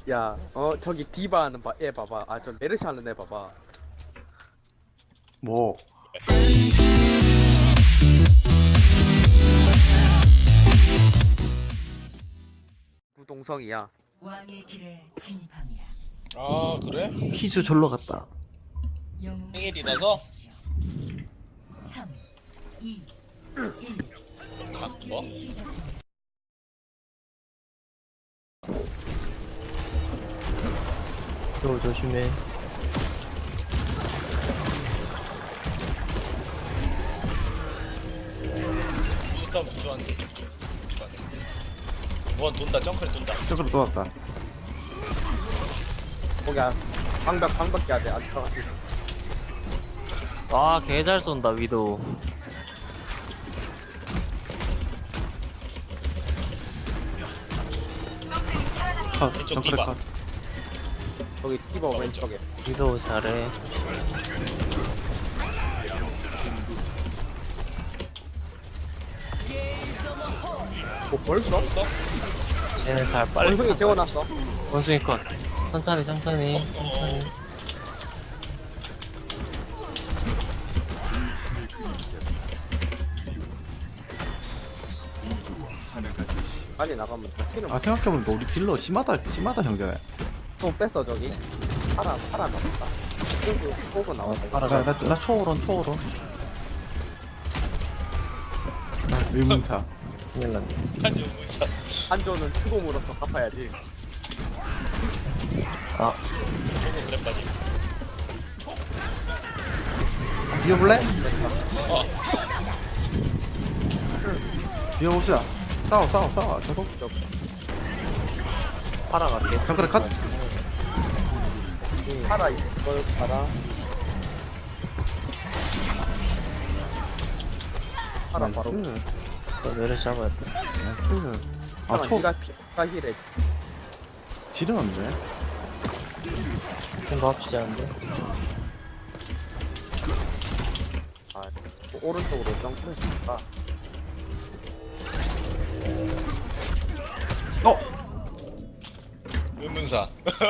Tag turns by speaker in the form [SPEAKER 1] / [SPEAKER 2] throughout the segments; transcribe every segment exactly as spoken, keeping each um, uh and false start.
[SPEAKER 1] 야, 어 저기 디바 하는 바, 애 봐봐. 아 저 메르시 하는 애 봐봐.
[SPEAKER 2] 뭐
[SPEAKER 1] 구동성이야.
[SPEAKER 3] 왕의 길에 진입합니다.
[SPEAKER 4] 아 그래?
[SPEAKER 2] 키즈 졸러 갔다.
[SPEAKER 3] 영웅을
[SPEAKER 4] 생일이라서?
[SPEAKER 3] 선택하십시오. 삼, 이, 일.
[SPEAKER 4] 아, 뭐?
[SPEAKER 3] 시작합니다.
[SPEAKER 5] 너 조심해.
[SPEAKER 4] 일단 부조한데. 무한 돈다, 점프를 돈다.
[SPEAKER 2] 저기로 또 왔다.
[SPEAKER 1] 거기야 방벽 방벽 해야 돼. 안 들어가지.
[SPEAKER 5] 와, 개 잘 쏜다, 위도.
[SPEAKER 2] 컷.
[SPEAKER 4] 왼쪽
[SPEAKER 2] 정크레
[SPEAKER 4] 디바.
[SPEAKER 2] 컷.
[SPEAKER 1] 거기 디바
[SPEAKER 4] 어,
[SPEAKER 1] 왼쪽에.
[SPEAKER 5] 위도 잘해.
[SPEAKER 1] 뭐 벌써?
[SPEAKER 4] 벌써?
[SPEAKER 5] 얘는 잘 빨리.
[SPEAKER 1] 원숭이 재워놨어.
[SPEAKER 5] 원숭이 컷. 천천히, 천천히, 천천히.
[SPEAKER 1] 빨리 나가면 키는
[SPEAKER 2] 아 생각해보니까 우리 딜러 심하다 심하다 형제.
[SPEAKER 1] 또 뺐어 저기. 파라 파라 나왔다. 호구 호구 나왔다.
[SPEAKER 2] 나, 나, 나 초월원 초월원. 나 의문사.
[SPEAKER 5] 큰일 났네.
[SPEAKER 4] 한지 무사.
[SPEAKER 1] 한조는 추공으로서 갚아야지.
[SPEAKER 5] 아,
[SPEAKER 4] 저도 그래 빠지.
[SPEAKER 2] 비워볼래?
[SPEAKER 4] 어,
[SPEAKER 2] 비워봅시다. 싸워 싸워 싸워. 저거
[SPEAKER 5] 팔아 갈게.
[SPEAKER 2] 정크레 컷.
[SPEAKER 1] 파라 이걸 파라. 파라 바로.
[SPEAKER 2] 나이스.
[SPEAKER 5] 너 내려 잡아야 돼.
[SPEAKER 2] 나이스. 아
[SPEAKER 1] 아
[SPEAKER 2] 초.
[SPEAKER 1] 니가 피가 힐해.
[SPEAKER 2] 지르는데?
[SPEAKER 5] 좀 합치지 않은데?
[SPEAKER 1] 아 오른쪽으로 점프했으니까.
[SPEAKER 2] 어!
[SPEAKER 4] 의문사.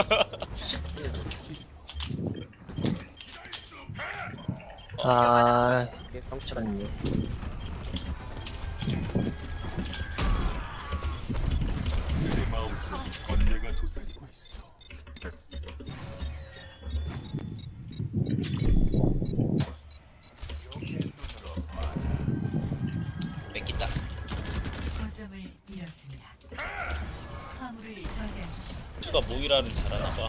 [SPEAKER 5] 아,
[SPEAKER 1] 이게 점프.
[SPEAKER 5] 괜찮네.
[SPEAKER 4] 뺏긴다.
[SPEAKER 3] 거점을 잃었습니다. 화물을 저지하십시오.
[SPEAKER 4] 수가 모이라를 잘하나봐.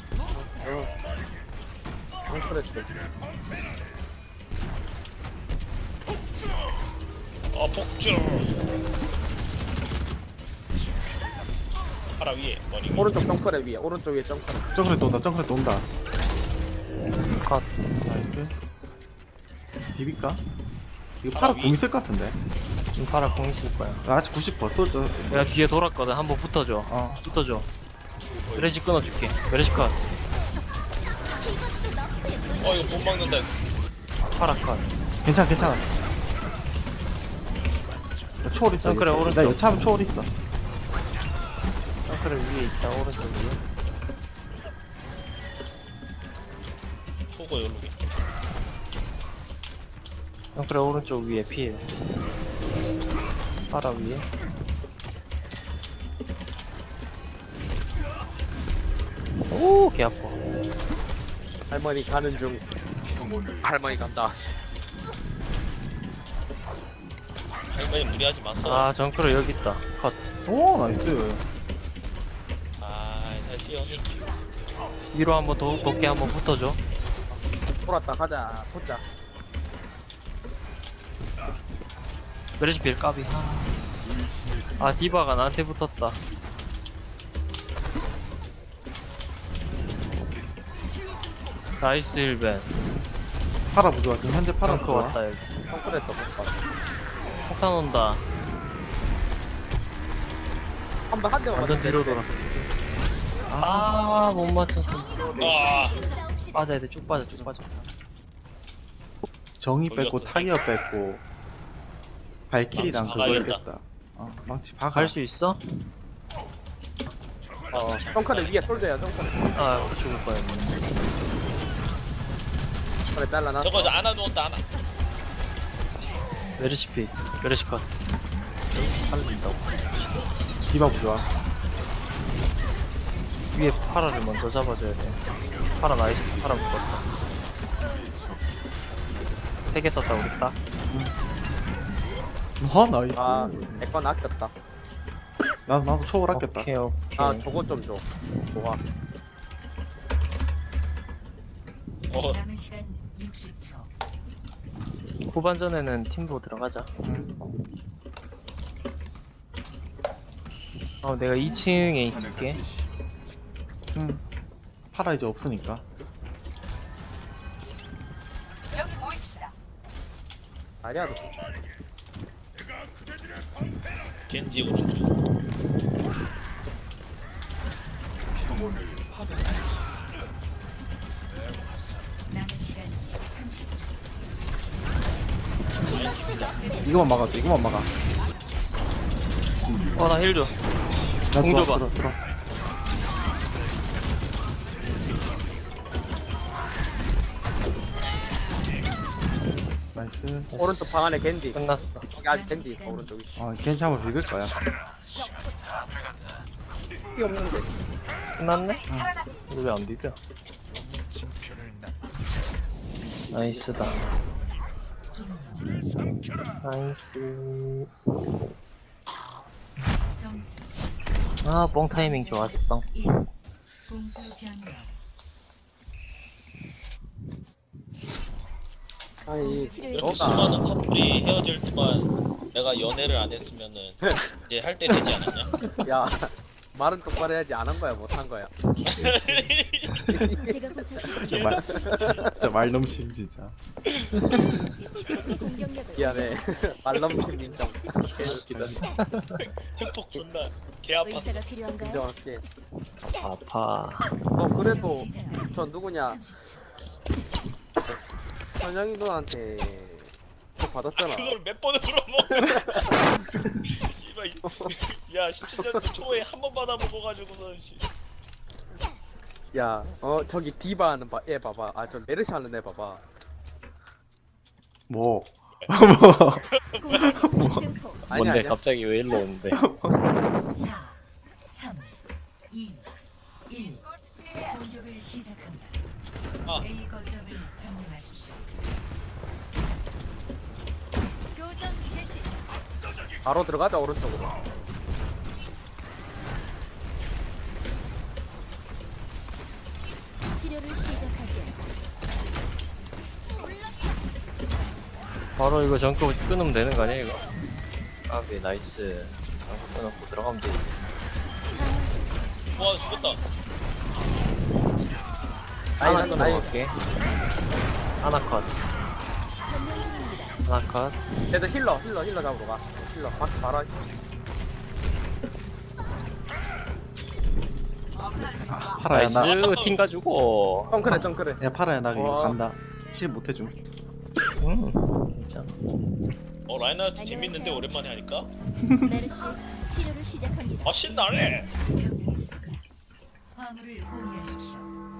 [SPEAKER 1] 점프했어.
[SPEAKER 4] 어, 폭주. 파라 위에 머리 위에.
[SPEAKER 1] 오른쪽 점프래 위에. 오른쪽 위에 점프래.
[SPEAKER 2] 정크레 또 온다 정크레 또 온다.
[SPEAKER 5] 컷.
[SPEAKER 2] 나이스. 비빌까? 이거
[SPEAKER 4] 아,
[SPEAKER 2] 파라
[SPEAKER 4] 위.
[SPEAKER 2] 공 있을 것 같은데.
[SPEAKER 5] 지금 팔아 공 있을 거야.
[SPEAKER 2] 나 아직 구십 퍼센트 쏠,
[SPEAKER 5] 내가 뒤에 돌았거든. 한번 붙어줘.
[SPEAKER 2] 어.
[SPEAKER 5] 붙어줘. 메레시 끊어줄게. 메레시 컷.
[SPEAKER 4] 어, 이거 못 막는다.
[SPEAKER 5] 팔아 컷.
[SPEAKER 2] 괜찮아 괜찮아. 나 초월 있어.
[SPEAKER 5] 정크레
[SPEAKER 2] 여차.
[SPEAKER 5] 오른쪽.
[SPEAKER 2] 나 여차하면 초월 있어.
[SPEAKER 5] 덩크를 위에 있다. 오른쪽 위에.
[SPEAKER 4] 보고 여기.
[SPEAKER 5] 덩크를 오른쪽 위에 피해. 팔아 위에. 오, 개 아파.
[SPEAKER 1] 할머니 가는 중. 할머니 간다.
[SPEAKER 4] 할머니 무리하지 마어.
[SPEAKER 5] 아, 정크를 여기 있다. 컷.
[SPEAKER 2] 오 나이스.
[SPEAKER 4] 아, 잘 뛰어니.
[SPEAKER 5] 위로 한번 도, 높게 한번 붙어줘.
[SPEAKER 1] 돌았다 가자. 보자.
[SPEAKER 5] 메레시 빌 까비. 아, 디바가 나한테 붙었다. 나이스 힐벤.
[SPEAKER 2] 파라 부조화 지금 현재 파라
[SPEAKER 5] 덩크
[SPEAKER 2] 부조화.
[SPEAKER 5] 왔다 여기.
[SPEAKER 1] 점프했어. 볼까.
[SPEAKER 5] 폭탄 온다.
[SPEAKER 1] 한번 한 대만
[SPEAKER 5] 완전
[SPEAKER 1] 맞았는데.
[SPEAKER 5] 뒤로 돌았어. 아, 못 맞췄어.
[SPEAKER 4] 아,
[SPEAKER 5] 빠져야 돼. 쭉 빠져, 쭉 빠져.
[SPEAKER 2] 정의 뺐고
[SPEAKER 4] 돌렸어.
[SPEAKER 2] 타이어 뺐고 발키리랑
[SPEAKER 4] 망치
[SPEAKER 2] 그거
[SPEAKER 4] 박아야겠다.
[SPEAKER 2] 있겠다. 어 망치 박아.
[SPEAKER 5] 갈 수 있어? 어,
[SPEAKER 1] 정카를 위에 솔드야 정카를.
[SPEAKER 5] 아, 죽을 뻔했네.
[SPEAKER 1] 그래 잘라놨어.
[SPEAKER 4] 저거 저 안아 누웠다 안아.
[SPEAKER 5] 메르시 피, 메르시 컷. 살린다고.
[SPEAKER 2] 디바 부좋아.
[SPEAKER 5] 위에 파라를 먼저 잡아줘야 돼. 파라 나이스, 파라 묶었다. 세 개 썼다, 우리 딱.
[SPEAKER 2] 와 나이스.
[SPEAKER 1] 아, 내 건 아꼈다.
[SPEAKER 2] 나 나도 초월 아꼈다.
[SPEAKER 5] 오케이, 오케이.
[SPEAKER 1] 아, 저거 좀 줘. 좋아.
[SPEAKER 4] 어
[SPEAKER 3] 남은 시간 육십 초.
[SPEAKER 5] 후반전에는 팀보 들어가자. 어, 내가 이 층에 있을게.
[SPEAKER 2] 응. 파라 이제 없으니까.
[SPEAKER 1] 아니야, 너.
[SPEAKER 4] 겐지 오른쪽.
[SPEAKER 3] 남은 시간 삼십 초.
[SPEAKER 2] 이거만 막아줘. 이거만 막아.
[SPEAKER 5] 어, 나 힐 줘.
[SPEAKER 2] 나
[SPEAKER 5] 공
[SPEAKER 2] 들어
[SPEAKER 5] 줘봐.
[SPEAKER 2] 들어 들어. 나이스.
[SPEAKER 1] 오른쪽 방 안에 겐지.
[SPEAKER 5] 끝났어.
[SPEAKER 1] 여기 아직 겐지 있어, 오른쪽에.
[SPEAKER 2] 아 괜찮아 비빌 거야.
[SPEAKER 1] 피 없는데.
[SPEAKER 5] 끝났네? 이거 왜 안 비벼? 나이스다. 나이스.
[SPEAKER 3] 점수
[SPEAKER 5] 아, 뽕 타이밍 좋았어.
[SPEAKER 3] 일. 공수 변경.
[SPEAKER 1] 아니,
[SPEAKER 4] 이렇게
[SPEAKER 1] 너가.
[SPEAKER 4] 수많은 커플이 헤어질 동안 내가 연애를 안 했으면은 이제 할 때 되지 않았냐?
[SPEAKER 1] 야, 말은 똑바로 해야지. 안 한 거야, 못 한 거야.
[SPEAKER 6] 제가 보살펴
[SPEAKER 2] 진짜 말 진짜 말 넘심 진짜.
[SPEAKER 6] 공격력을
[SPEAKER 1] 미안해. 말넘심 인정. 개웃기다.
[SPEAKER 4] 팩폭 존나 개 아팠어.
[SPEAKER 6] 의사가 필요한가요?
[SPEAKER 1] 인정할게.
[SPEAKER 5] 아파.
[SPEAKER 1] 너 그래도
[SPEAKER 3] 시작까지
[SPEAKER 1] 저 누구냐?
[SPEAKER 3] 삼십 초.
[SPEAKER 1] 현영이 누나한테 그거 받았잖아.
[SPEAKER 4] 그걸 몇 번을 물어보? 씨발 이- 야 십칠 년도 초에 한 번 받아먹어가지고서 씨.
[SPEAKER 1] 야, 어 저기 디바 하는 바, 얘 봐봐. 아 저 메르시 하는 애 봐봐.
[SPEAKER 2] 뭐?
[SPEAKER 6] 공격 증폭
[SPEAKER 1] 아니
[SPEAKER 5] 뭔데,
[SPEAKER 1] 아니야.
[SPEAKER 5] 갑자기 왜 일로 오는데?
[SPEAKER 3] 사, 삼, 이, 일. 공격을 시작합니다.
[SPEAKER 4] 아.
[SPEAKER 3] A 거점을 점령하십시오.
[SPEAKER 6] 교전 개시
[SPEAKER 1] 바로 들어가자 오른쪽으로.
[SPEAKER 6] 치료를 시작할게요.
[SPEAKER 5] 바로 이거 전거 끊으면 되는 거 아니야, 이거? 아, 네, 나이스. 전거 끊었고 들어가면 되지.
[SPEAKER 4] 와 죽었다.
[SPEAKER 5] 하나
[SPEAKER 1] 아니, 아니.
[SPEAKER 5] 끊어볼게. 하나 컷.
[SPEAKER 6] 점령 중입니다.
[SPEAKER 5] 하나 컷.
[SPEAKER 1] 쟤들 힐러 힐러 힐러 잡으러 가. 힐러 밖에 바로.
[SPEAKER 2] 아, 파라야 나.
[SPEAKER 5] 나이스, 팀 가지고.
[SPEAKER 1] 정크래 정크래.
[SPEAKER 2] 야 파라야 나 이거
[SPEAKER 1] 와.
[SPEAKER 2] 간다. 실 못해줌.
[SPEAKER 5] 응, 괜찮아.
[SPEAKER 4] 어 라인하트 재밌는데 오랜만에 하니까.
[SPEAKER 6] 메르시 치료를 시작합니다.
[SPEAKER 4] 아 신나네.
[SPEAKER 3] 점령했습니다. 화물을 호위하십시오.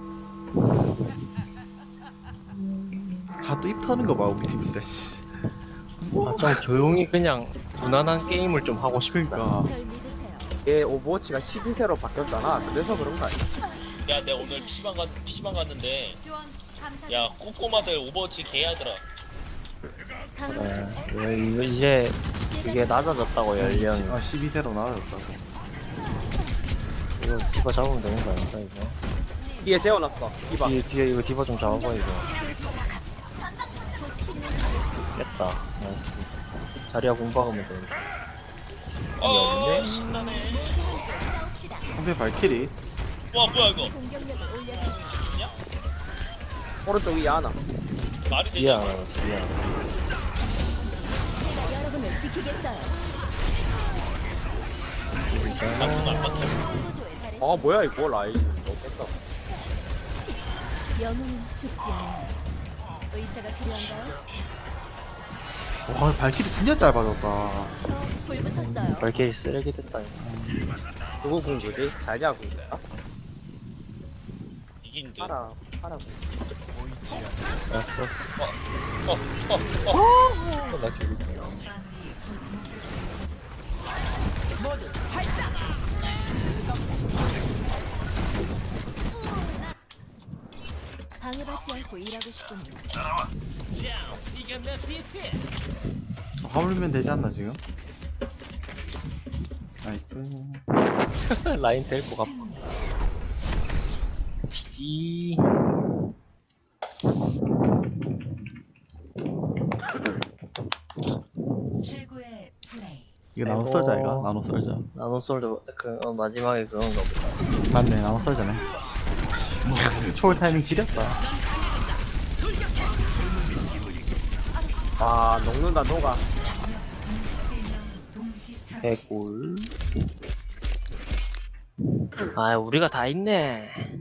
[SPEAKER 2] 아 또 입 터는 거 봐 우리 팀 진짜 씨.
[SPEAKER 5] 아, 좀 조용히 그냥 무난한 게임을 좀 하고 싶다.
[SPEAKER 2] 그러니까.
[SPEAKER 6] 절 믿으세요.
[SPEAKER 1] 얘 오버워치가 십이 세로 바뀌었잖아. 그래서 그런 거 아니야?
[SPEAKER 4] 야 내가 오늘 피시방 갔 피시방 갔는데
[SPEAKER 6] 지원 감사.
[SPEAKER 4] 야 꼬꼬마들 오버워치 개하더라.
[SPEAKER 6] 강화
[SPEAKER 5] 네, 이거- 이거 이제 이게 낮아졌다고 연령.
[SPEAKER 2] 아 십이 세로 나아졌다고.
[SPEAKER 5] 이거 디바 잡으면 되는 거 아닌가 이거?
[SPEAKER 1] 뒤에 재워놨어. 디바.
[SPEAKER 5] 뒤에 뒤에 이거 디바 좀 잡아봐 이거.
[SPEAKER 6] 곧 치료해드리겠습니다.
[SPEAKER 5] 깼다. 나이스. 자리야 공부하면 되는데.
[SPEAKER 4] 어
[SPEAKER 5] 없네?
[SPEAKER 4] 신나네.
[SPEAKER 6] 싸웁시다.
[SPEAKER 2] 상대 발키리.
[SPEAKER 4] 와 뭐야 이거
[SPEAKER 6] 공격력을 올려드리죠.
[SPEAKER 1] 오른쪽 위에 하나.
[SPEAKER 4] 말이
[SPEAKER 5] 뒤에
[SPEAKER 4] 되냐?
[SPEAKER 5] 하나, 뒤에 하나.
[SPEAKER 6] 제가 여러분을 지키겠어요.
[SPEAKER 4] 방송 안 봤다.
[SPEAKER 6] 창조조에 달해
[SPEAKER 1] 아 뭐야 이거 라인. 너무 깼다.
[SPEAKER 6] 영웅은 죽지 않는다. 의사가 필요한가요?
[SPEAKER 2] 와 발길이 진짜 짧아졌다.
[SPEAKER 6] 저불 붙었어요.
[SPEAKER 5] 발길이 쓰레기 됐다 이거.
[SPEAKER 1] 누구 공주지? 자리야 공주야?
[SPEAKER 4] 이긴 듯.
[SPEAKER 1] 파라 파라 공주.
[SPEAKER 5] 알았어 알았어.
[SPEAKER 4] 어어어
[SPEAKER 5] 어, 나 죽을 뻔.
[SPEAKER 6] 방해받지 않고 일하고 싶군요.
[SPEAKER 2] 화물면 되지 않나 지금? 나이스.
[SPEAKER 5] 라인 데리고 가. 지지.
[SPEAKER 3] 최고의 플레이.
[SPEAKER 2] 이거 나노
[SPEAKER 5] 아이고.
[SPEAKER 2] 썰자 이거 나노 썰자.
[SPEAKER 5] 나노 솔드 그 어, 마지막에 그건가 보다.
[SPEAKER 2] 맞네 나노 썰자네. 초월 타이밍 지렸다.
[SPEAKER 1] 아 녹는다 녹아.
[SPEAKER 3] 동시 처치.
[SPEAKER 5] 개꿀. 아 우리가 다 있네.